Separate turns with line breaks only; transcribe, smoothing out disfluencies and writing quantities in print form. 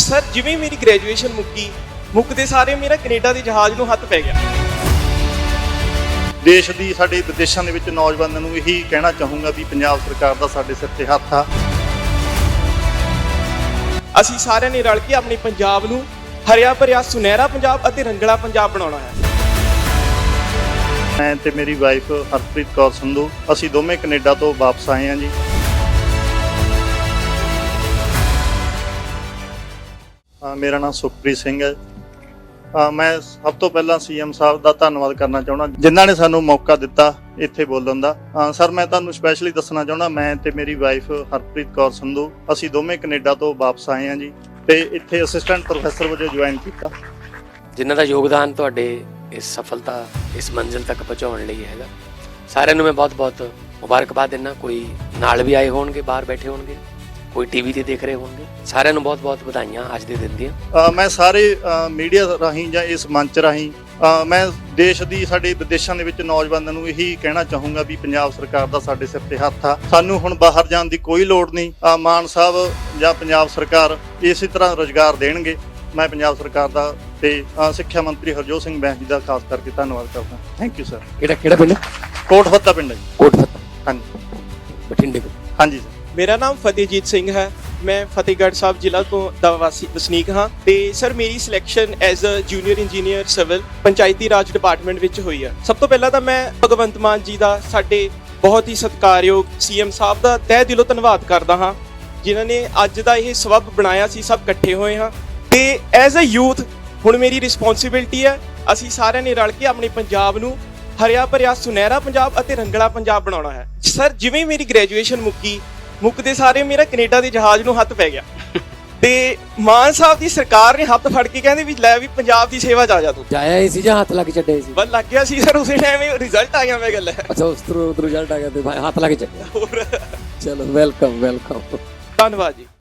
Sir ਜਿਵੇਂ ਮੇਰੀ graduation ਮੁੱਕਦੇ ਸਾਰੇ ਮੇਰਾ ਕੈਨੇਡਾ ਦੇ ਜਹਾਜ਼ ਨੂੰ ਹੱਥ ਪੈ ਗਿਆ।
ਦੇਸ਼ ਦੀ ਸਾਡੇ ਵਿਦੇਸ਼ਾਂ ਦੇ ਵਿੱਚ ਨੌਜਵਾਨਾਂ ਨੂੰ ਇਹੀ ਕਹਿਣਾ ਚਾਹੂੰਗਾ ਵੀ ਪੰਜਾਬ ਸਰਕਾਰ ਦਾ ਸਾਡੇ ਸਿਰ ਤੇ ਹੱਥ ਆ।
ਅਸੀਂ ਸਾਰਿਆਂ ਨੇ ਰਲ ਕੇ ਆਪਣੇ ਪੰਜਾਬ ਨੂੰ ਹਰਿਆ ਭਰਿਆ ਸੁਨਹਿਰਾ ਪੰਜਾਬ ਅਤੇ ਰੰਗਲਾ ਪੰਜਾਬ ਬਣਾਉਣਾ ਹੈ।
ਮੈਂ ਤੇ ਮੇਰੀ ਵਾਈਫ ਹਰਪ੍ਰੀਤ ਕੌਰ ਸੰਧੂ ਅਸੀਂ ਦੋਵੇਂ ਕੈਨੇਡਾ ਤੋਂ ਵਾਪਸ ਆਏ ਹਾਂ ਜੀ। ਮੇਰਾ ਨਾਮ ਸੁਖਪ੍ਰੀਤ ਸਿੰਘ ਹੈ। ਮੈਂ ਸਭ ਤੋਂ ਪਹਿਲਾਂ ਸੀਐਮ ਸਾਹਿਬ ਦਾ ਧੰਨਵਾਦ ਕਰਨਾ ਚਾਹੁੰਦਾ ਜਿਨ੍ਹਾਂ ਨੇ ਸਾਨੂੰ ਮੌਕਾ ਦਿੱਤਾ ਇੱਥੇ ਬੋਲਣ ਦਾ। ਸਰ ਮੈਂ ਤੁਹਾਨੂੰ ਸਪੈਸ਼ਲੀ ਦੱਸਣਾ ਚਾਹੁੰਦਾ ਮੈਂ ਤੇ ਮੇਰੀ ਵਾਈਫ ਹਰਪ੍ਰੀਤ ਕੌਰ ਸੰਧੂ ਅਸੀਂ ਦੋਵੇਂ ਕੈਨੇਡਾ ਤੋਂ ਵਾਪਸ ਆਏ ਹਾਂ ਜੀ ਤੇ ਇੱਥੇ ਅਸਿਸਟੈਂਟ ਪ੍ਰੋਫੈਸਰ ਵਜੋਂ ਜੁਆਇਨ ਕੀਤਾ।
ਜਿਨ੍ਹਾਂ ਦਾ ਯੋਗਦਾਨ ਤੁਹਾਡੇ ਇਸ ਸਫਲਤਾ ਇਸ ਮੰਜ਼ਿਲ ਤੱਕ ਪਹੁੰਚਾਉਣ ਲਈ ਹੈਗਾ। ਸਾਰਿਆਂ ਨੂੰ ਮੈਂ ਬਹੁਤ-ਬਹੁਤ ਮੁਬਾਰਕਬਾਦ ਦਿੰਦਾ। ਕੋਈ ਨਾਲ ਵੀ ਆਏ ਹੋਣਗੇ, ਬਾਹਰ ਬੈਠੇ ਹੋਣਗੇ, ਕੋਈ ਟੀਵੀ ਤੇ ਦੇਖ ਰਹੇ ਹੋਣਗੇ, ਸਾਰਿਆਂ ਨੂੰ ਬਹੁਤ-ਬਹੁਤ ਵਧਾਈਆਂ ਅੱਜ ਦੇ ਦਿਨ ਦੀਆਂ।
ਮੈਂ ਸਾਰੇ ਮੀਡੀਆ ਰਾਹੀਂ ਜਾਂ ਇਸ ਮੰਚ ਰਾਹੀਂ ਮੈਂ ਦੇਸ਼ ਦੀ ਸਾਡੇ ਵਿਦੇਸ਼ਾਂ ਦੇ ਵਿੱਚ ਨੌਜਵਾਨਾਂ ਨੂੰ ਇਹੀ ਕਹਿਣਾ ਚਾਹੂੰਗਾ ਵੀ ਪੰਜਾਬ ਸਰਕਾਰ ਦਾ ਸਾਡੇ ਸਿਰ ਤੇ ਹੱਥ ਆ। ਸਾਨੂੰ ਹੁਣ ਬਾਹਰ ਜਾਣ ਦੀ ਕੋਈ ਲੋੜ ਨਹੀਂ। ਮਾਨ ਸਾਹਿਬ ਜਾਂ ਪੰਜਾਬ ਸਰਕਾਰ ਇਸੇ ਤਰ੍ਹਾਂ ਰੁਜ਼ਗਾਰ ਦੇਣਗੇ। ਮੈਂ ਪੰਜਾਬ ਸਰਕਾਰ ਦਾ ਤੇ ਸਿੱਖਿਆ ਮੰਤਰੀ ਹਰਜੋਤ ਸਿੰਘ ਬੈਂਸ ਜੀ ਦਾ ਖਾਸ ਕਰਕੇ ਧੰਨਵਾਦ ਕਰਦਾ। Thank you sir.
ਕਿਹੜਾ ਪਿੰਡ?
ਕੋਟਫੱਤਾ ਪਿੰਡ ਹੈ ਜੀ।
ਕੋਟਫੱਤਾ,
ਹਾਂਜੀ,
ਬਠਿੰਡੇ ਕੋਲ।
ਹਾਂਜੀ ਸਰ।
ਮੇਰਾ ਨਾਮ ਫਤਿਹਜੀਤ ਸਿੰਘ ਹੈ। ਮੈਂ ਫਤਿਹਗੜ੍ਹ ਸਾਹਿਬ ਜ਼ਿਲ੍ਹਾ ਤੋਂ ਦਾ ਵਸਨੀਕ ਹਾਂ ਤੇ ਸਰ ਮੇਰੀ selection as a junior engineer civil Panchayati Raj department ਵਿੱਚ ਹੋਈ ਹੈ। ਸਭ ਤੋਂ ਪਹਿਲਾਂ ਤਾਂ ਮੈਂ ਭਗਵੰਤ ਮਾਨ ਜੀ ਦਾ, ਸਾਡੇ ਬਹੁਤ ਹੀ ਸਤਿਕਾਰਯੋਗ ਸੀਐਮ ਸਾਹਿਬ ਦਾ ਤਹਿ ਦਿਲੋਂ ਧੰਨਵਾਦ ਕਰਦਾ ਹਾਂ ਜਿਨ੍ਹਾਂ ਨੇ ਅੱਜ ਦਾ ਇਹ ਸਬੱਬ ਬਣਾਇਆ ਸੀ। ਸਭ ਇਕੱਠੇ ਹੋਏ ਹਾਂ ਤੇ ਐਜ਼ ਅ ਯੂਥ ਹੁਣ ਮੇਰੀ ਰਿਸਪੌਂਸਿਬਿਲਟੀ ਹੈ ਅਸੀਂ ਸਾਰਿਆਂ ਨੇ ਰਲ ਕੇ ਆਪਣੇ ਪੰਜਾਬ ਨੂੰ ਹਰਿਆ ਭਰਿਆ ਸੁਨਹਿਰਾ ਪੰਜਾਬ ਅਤੇ ਰੰਗਲਾ ਪੰਜਾਬ ਬਣਾਉਣਾ ਹੈ। ਸਰ ਜਿਵੇਂ ਮੇਰੀ ਗ੍ਰੈਜੂਏਸ਼ਨ ਮੁੱਕਦੇ ਸਾਰੇ ਮੇਰਾ ਕੈਨੇਡਾ ਦੇ ਜਹਾਜ਼ ਨੂੰ ਹੱਥ ਪੈ ਗਿਆ ਤੇ ਮਾਨ ਸਾਹਿਬ ਦੀ ਸਰਕਾਰ ਨੇ ਹੱਥ ਫੜ ਕੇ ਕਹਿੰਦੇ ਵੀ ਲੈ ਵੀ ਪੰਜਾਬ ਦੀ ਸੇਵਾ 'ਚ ਆ ਜਾ ਤੂੰ।
ਜਾਇਆ ਹੀ ਸੀ ਜਾਂ ਹੱਥ ਲੱਗ ਛੱਡੇ ਸੀ?
ਬਸ ਲੱਗ ਗਿਆ ਸੀ ਸਰ, ਉਸੇ ਟਾਈਮ ਹੀ ਰਿਜ਼ਲਟ ਆ ਗਿਆ। ਮੈਂ ਗੱਲ ਹੈ
ਅੱਛਾ, ਉਸ ਤੋਂ ਰਿਜ਼ਲਟ ਆ ਗਿਆ ਤੇ ਹੱਥ ਲੱਗ ਛੱਡਿਆ।
ਹੋਰ
ਚਲੋ ਵੈਲਕਮ।
ਧੰਨਵਾਦ ਜੀ।